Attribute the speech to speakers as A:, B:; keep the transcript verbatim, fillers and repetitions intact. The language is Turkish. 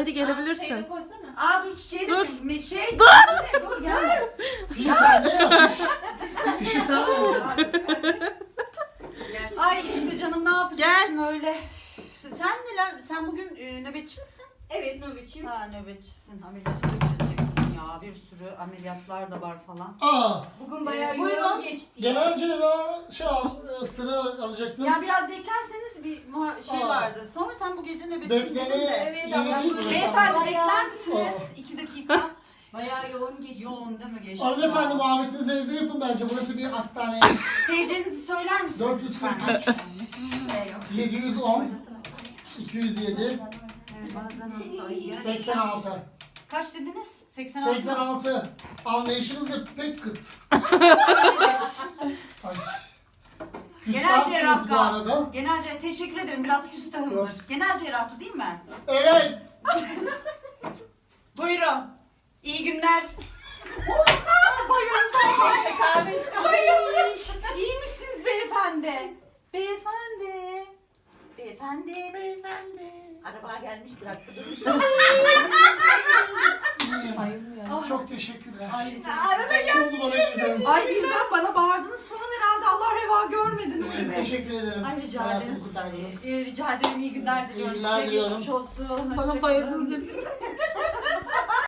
A: hadi gelebilirsin.
B: Aa dur çiçeği de
A: Dur.
B: mi- şey.
A: Dur.
B: Dur gel.
C: Fişi sende ya fiş. Fişi sen al.
B: Ay işte canım ne yapacaksın öyle. Sen neler? Sen bugün e, nöbetçi misin?
D: Evet nöbetçiyim.
B: Ha nöbetçisin. Ameliyat geçireceksin ya. Bir sürü ameliyatlar da var falan.
C: Aa.
D: Bugün bayağı
B: Ee, buyurun.
D: yoğun geçti.
C: Genel cerrah şey al, e, sıra alacaktım.
B: Ya biraz beklerseniz bir muha- şey
C: Aa.
B: vardı. Sonra sen bu gece nöbetçi dedin
C: Beklemeye
B: de.
D: Evet,
C: iyisi
D: ama-
C: burası.
B: Beyefendi
D: Bayağı-
B: bekler misiniz?
C: Aa.
B: İki dakika.
D: Bayağı yoğun geçti.
B: Yoğun değil mi geçti?
C: Hanımefendi muhabbetinizi evde yapın bence. Burası bir hastane.
B: T C'nizi söyler misiniz?
C: dört yüz kırk
B: lütfen?
C: üç, yedi yüz on, iki yüz yedi,
B: Evet, bazen hasta. Ay, gerçekten.
C: seksen altı.
B: Kaç dediniz? seksen altı.
C: seksen altı. Anlayışınız da pek kıt. Ay.
B: Genel
C: Küstahsınız bu
B: cerrah.
C: arada.
B: Genel cerrah. Teşekkür ederim. Biraz küstahımdır.
C: Yok.
B: Genel cerrahtı değil mi?
C: Evet.
B: Buyurun. İyi günler. Bayıldım. Kahve çıkarmış. İyi misiniz beyefendi? Beyefendi. Beyefendi. Beyefendi. Araba gelmiştir hakkı
C: İyiyim. Çok teşekkürler.
B: Araba
C: Ne oldu bana güzel?
B: Ay birden bana bağırdınız falan herhalde. Allah reva görmedi Nuri Bey.
C: Teşekkür ederim.
B: Ay rica
C: Hayatımı
B: ederim.
C: kurtardınız.
B: Ee, rica ederim. İyi günler diliyorum.
C: İyi günler
B: Size
C: diliyorum.
B: geçmiş olsun.
D: Bana
B: Hoşça
D: bayıldınız
B: kalın.
D: hep.